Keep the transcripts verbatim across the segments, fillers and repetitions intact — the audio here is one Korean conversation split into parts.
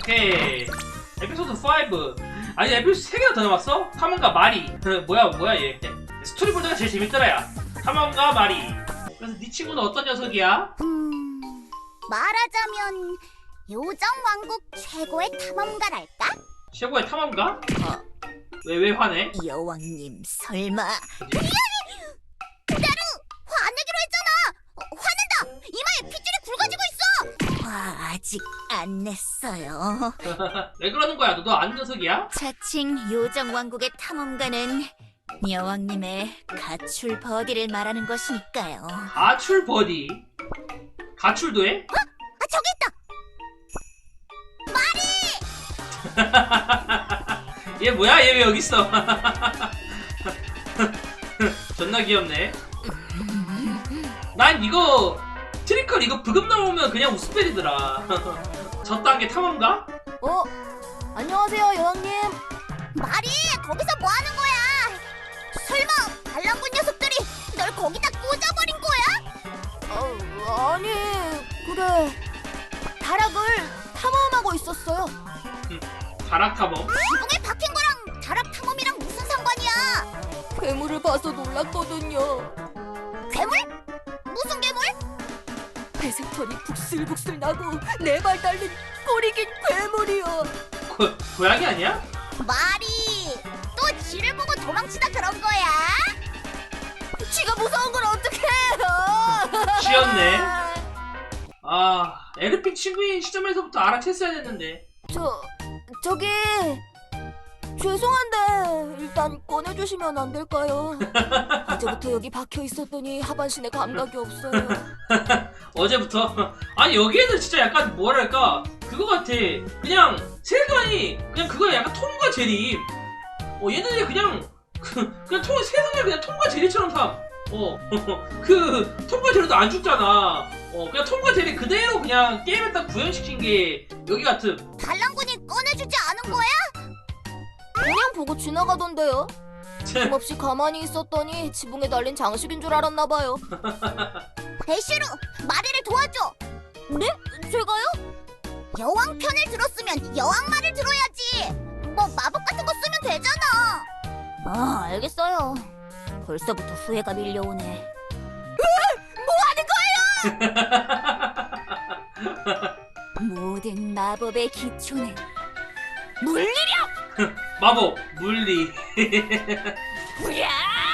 오케이. 에피소드 오. 아니 에피소드 세 개나 더 남았어? 탐험가 마리. 뭐야 뭐야 얘. 스토리보드가 제일 재밌더라 야. 탐험가 마리. 그래서 네 친구는 어떤 녀석이야? 음... 말하자면 요정왕국 최고의 탐험가랄까? 최고의 탐험가? 어. 왜 왜 화내? 여왕님 설마... 나루! 화내기로 했잖아! 어, 화낸다! 이마에 핏줄이 굵어지고 있어! 화 아직 안 냈어요. 왜 그러는 거야? 너도 아는 녀석이야? 자칭 요정왕국의 탐험가는 여왕님의 가출 버디를 말하는 것이니까요. 가출 버디? 가출도 해? 어? 아 저기 있다! 얘 뭐야? 얘 왜 여기 있어? 존나 귀엽네. 난 이거 트리컬 이거 브금 나오면 그냥 웃음벨이더라. 저 단계 탐험가? 어? 안녕하세요 여왕님. 마리 거기서 뭐하는 거야? 설마 반란군 녀석들이 널 거기다 꽂아버린 거야? 어, 아니 그래 다락을 탐험하고 있었어요. 응, 다락 탐험? 지붕에 박힌 거랑 다락 탐험이랑 무슨 상관이야? 괴물을 봐서 놀랐거든요. 괴물? 무슨 괴물? 회색털이 북슬북슬 나고 네 발 달린 꼬리 긴 괴물이요. 고, 고양이 아니야? 마리 또 쥐를 보고 도망치다 그런 거야? 쥐가 무서운 걸 어떡해? 쥐였네. 아, 에르핀 친구인 시점에서부터 알아챘어야 했는데. 저 저기 죄송한데 일단 꺼내주시면 안 될까요? 어제부터 여기 박혀 있었더니 하반신에 감각이 없어요. 어제부터? 아니 여기에는 진짜 약간 뭐랄까 그거 같아. 그냥 세상이 그냥 그거 약간 톰과 제리. 어 얘네들이 그냥 그, 그냥 톰 세상을 그냥 톰과 제리처럼 삼. 어 그 톰과 제리도 안 죽잖아. 어 그냥 톰과 제리 그대로 그냥 게임에 딱 구현시킨 게 여기 같은. 반란군이 꺼내주지 않은 거야? 그냥 보고 지나가던데요. 힘없이 가만히 있었더니 지붕에 달린 장식인 줄 알았나봐요. 배시루, 마리를 도와줘. 네? 제가요? 여왕 편을 들었으면 여왕 말을 들어야지. 뭐 마법 같은 거 쓰면 되잖아. 아, 알겠어요. 벌써부터 후회가 밀려오네. 뭐 하는 거예요? 모든 마법의 기초는 물리력! 마법 물리. 으야!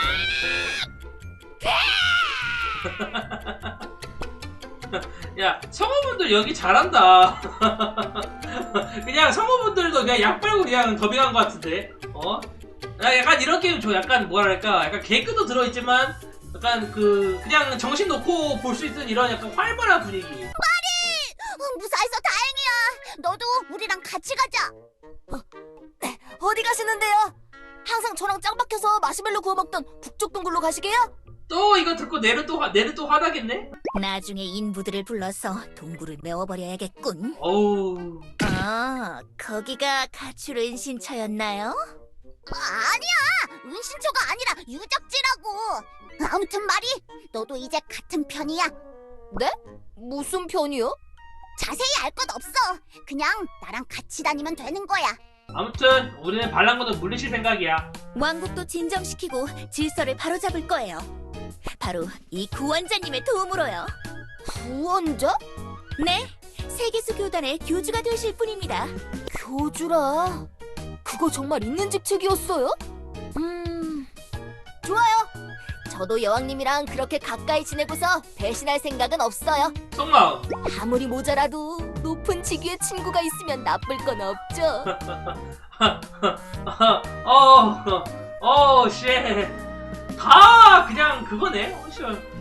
야 성우분들 여기 잘한다. 그냥 성우분들도 그냥 약 빨고 그냥 더빙한 것 같은데. 어? 나 약간 이런 게임 좋아. 약간 뭐랄까 약간 개그도 들어있지만 약간 그 그냥 정신 놓고 볼 수 있는 이런 약간 활발한 분위기. 마리! 무사해서 다행이야. 너도 우리랑 같이 가자. 어, 네, 어디 가시는데요? 항상 저랑 짱 박혀서 마시멜로 구워 먹던 북쪽 동굴로 가시게요? 또 이거 듣고 내를 또 화, 내를 또 화나겠네? 나중에 인부들을 불러서 동굴을 메워버려야겠군. 어우. 아, 거기가 가출 은신처였나요? 아니야! 은신처가 아니라 유적지라고! 아무튼 마리, 너도 이제 같은 편이야. 네? 무슨 편이요? 자세히 알 것 없어. 그냥 나랑 같이 다니면 되는 거야. 아무튼 우리는 반란군을 물리칠 생각이야. 왕국도 진정시키고 질서를 바로잡을 거예요. 바로 이 구원자님의 도움으로요. 구원자? 네, 세계수 교단의 교주가 되실 분입니다. 교주라? 그거 정말 있는 직책이었어요? 음... 좋아요. 저도 여왕님이랑 그렇게 가까이 지내고서 배신할 생각은 없어요. 속마음. 아무리 모자라도 높은 직위의 친구가 있으면 나쁠 건 없죠. 어, 어, 씨. 다 그냥 그거네. 어, 씨.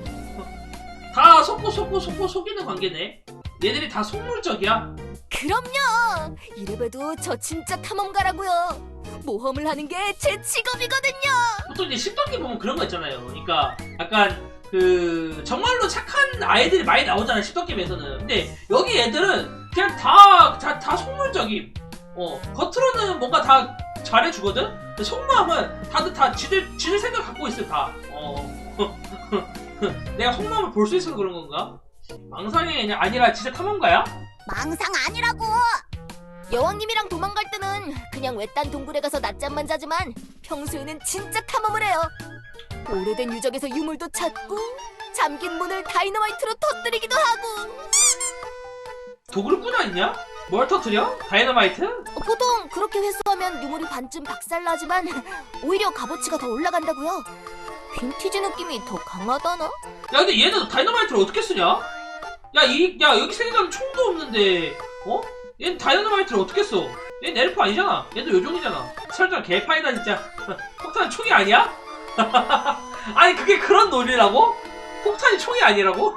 다 속고 속고 속고 속이는 관계네. 얘들이 다 속물적이야. 그럼요. 이래봬도 저 진짜 탐험가라고요. 모험을 하는 게 제 직업이거든요. 보통 이제 십 단계 보면 그런 거 있잖아요. 그러니까 약간 그 정말로 착한 아이들이 많이 나오잖아요. 십 단계에서는. 근데 여기 애들은 그냥 다, 다, 다 속물적임. 어, 겉으로는 뭔가 다 잘해주거든? 근데 속마음은 다들 다 지들, 지들 생각 갖고 있어, 다. 어. 내가 속마음을 볼 수 있어서 그런 건가? 망상이 아니라 진짜 탐험가야? 망상 아니라고. 여왕님이랑 도망갈 때는 그냥 외딴 동굴에 가서 낮잠만 자지만 평소에는 진짜 탐험을 해요. 오래된 유적에서 유물도 찾고 잠긴 문을 다이너마이트로 터뜨리기도 하고. 도구를 꾸나 있냐? 뭘 터뜨려? 다이너마이트? 보통 그렇게 회수하면 유물이 반쯤 박살나지만 오히려 값어치가 더 올라간다고요. 빈티지 느낌이 더 강하다나? 야 근데 얘는 다이너마이트를 어떻게 쓰냐? 야 이 야 여기 생각하면 총도 없는데 어? 얘는 다이너마이트를 어떻게 써? 얘는 엘프 아니잖아. 얘도 요종이잖아. 설정 개파이다 진짜. 폭탄은 총이 아니야? 아니 그게 그런 논리라고? 폭탄이 총이 아니라고?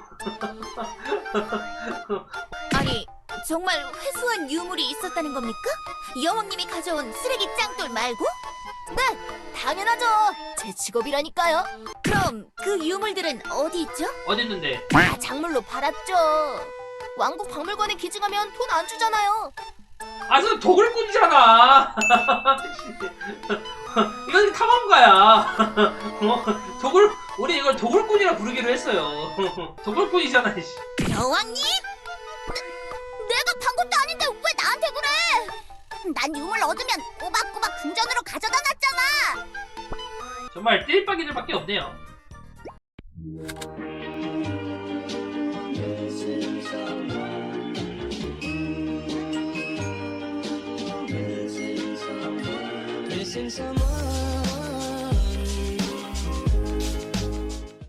아니 정말 회수한 유물이 있었다는 겁니까? 여왕님이 가져온 쓰레기 짱돌 말고? 네, 당연하죠. 제 직업이라니까요. 그럼 그 유물들은 어디 있죠? 어디 있는데? 다 작물로 팔았죠. 왕국 박물관에 기증하면 돈 안 주잖아요. 아, 저 도굴꾼이잖아. 이건 탐험가야. 어, 도굴, 우리 이걸 도굴꾼이라 부르기로 했어요. 도굴꾼이잖아, 씨. 여왕님? 내가 판 것도 아닌데 왜 나한테 그래? 난 유물 얻으면 꼬박꼬박 궁전으로 가져다 놨잖아. 정말 띨박이들밖에 없네요. Missing someone